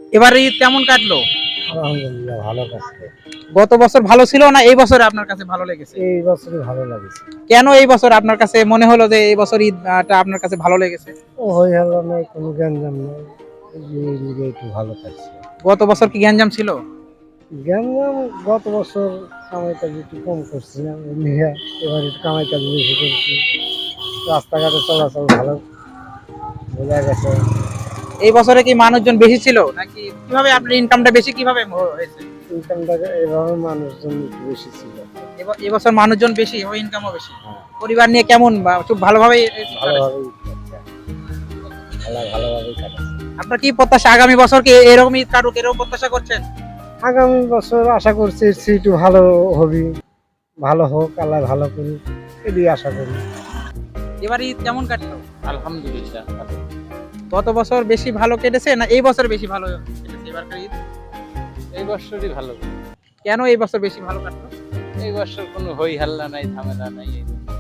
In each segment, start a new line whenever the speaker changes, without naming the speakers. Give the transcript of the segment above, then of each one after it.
এবার ঈদ কেমন কাটলো?
আলহামদুলিল্লাহ ভালো কাটছে।
গত বছর ভালো ছিল না এই বছরে আপনার কাছে ভালো লেগেছে?
এই বছরই ভালো লাগছে।
কেন এই বছর আপনার কাছে মনে হলো যে এই বছর ঈদটা আপনার কাছে ভালো লেগেছে?
ও হই হল্লা নাই, কোনো গ্যাঞ্জাম নাই, এই লিগে একটু ভালো কাটছে।
গত বছর কি গ্যাঞ্জাম ছিল?
গ্যাঞ্জাম গত বছর কামাই কাজ একটু কম করছি না, ওই লিগে এবার একটু কামাই কাজ বেশি করছি। রাস্তাঘাটে চলাচল ভালো বোঝা গেছে।
এই বছরে কি মানুষজন বেশি ছিল নাকি কিভাবে আপনার ইনকামটা বেশি কিভাবে হয়েছে?
ইনকামটা এভাবে মানুষজন একটু বেশি ছিল।
এবছর মানুষজন বেশি ও ইনকামও বেশি।
হ্যাঁ,
পরিবার নিয়ে কেমন বা খুব ভালোভাবে
ভালোভাবেই কাটছে। আল্লাহ ভালোভাবেই কাটাচ্ছে।
আপনার কি প্রত্যাশা আগামী বছর কি এরকম ঈদ কাটুক এরকম প্রত্যাশা করছেন?
আগামী বছর আশা করছি একটু ভালো হবে, ভালো হোক, আল্লাহ ভালো করুক, এটাই আশা করি।
এবার ঈদ কেমন কাটলো?
আলহামদুলিল্লাহ ভালো।
গত বছর বেশি ভালো কেটেছে না এই বছর বেশি ভালো কেটেছে এবারকার ঈদ?
এই বছরই ভালো।
কেন এই বছর বেশি ভালো কাটলো?
এই বছর কোনো হই হাল্লা নাই, ঝামেলা নাই।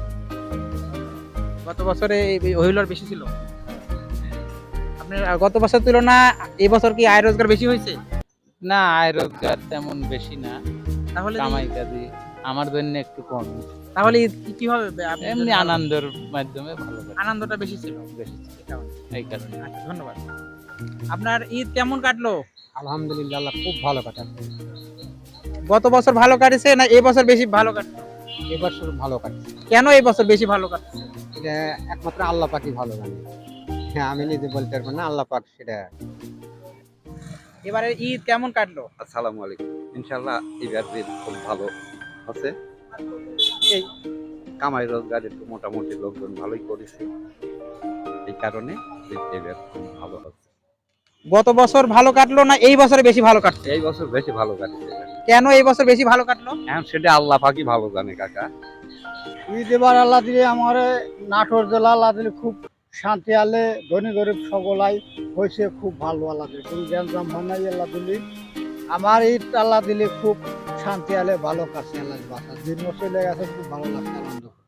গত বছরে এই হইলর বেশি ছিল। আপনার গত বছর তুলনা এই বছর কি আয় রোজগার বেশি হয়েছে?
না, আয় রোজগার তেমন বেশি না,
তাহলে
কামাই কাজে আমার জন্য একটু কম।
তাহলে ঈদ কিভাবে আপনি
এমনি
যদি
আনন্দের মাধ্যমে ভালো কাটে,
আনন্দটা বেশি ছিল?
বেশি ছিল। এই কারণে
আচ্ছা, ধন্যবাদ। আপনার ঈদ কেমন কাটলো?
আলহামদুলিল্লাহ আল্লাহ খুব ভালো কাটাচ্ছে।
গত বছর ভালো কাটেছে না এই বছর বেশি ভালো কাটলো?
এবছর ভালো কাটছে।
কেন এই বছর বেশি ভালো কাটছে?
এটা একমাত্র আল্লাহ পাকই ভালো জানে। হ্যাঁ, আমি নিজে বলতে পারবো না, আল্লাহ পাক সেটা।
এবারে ঈদ কেমন কাটলো?
আসসালামু আলাইকুম। ইনশাআল্লাহ এবার ঈদ খুব ভালো হচ্ছে। এই কামাই রোজগার একটু মোটামুটি লোকজন ভালোই করেছে, এই কারণে ঈদ এবার খুব ভালো হচ্ছে।
গত বছর ভালো কাটলো না এই বছরে বেশি ভালো কাটছে?
এই বছর বেশি ভালো কাটছে।
কেন এই বছর বেশি ভালো কাটলো?
এখন সেটা আল্লাহ পাকই ভালো জানে কাকা।
ঈদ এবার আল্লাহ দিলে আমার নাটোর জেলা আল্লাহ দিলে খুব শান্তি আলে, ধনী গরিব সকলাই হয়েছে খুব ভালো। আল্লাহ দিলে কোনো গ্যাঞ্জাম হয় নাই। আল্লাহ দিলে আমার ঈদ আল্লাহ দিলে খুব শান্তি আলে ভালো কাটছে। আল্লাহ বাসা দিন চলে গেছে, খুব ভালো লাগছে আনন্দ।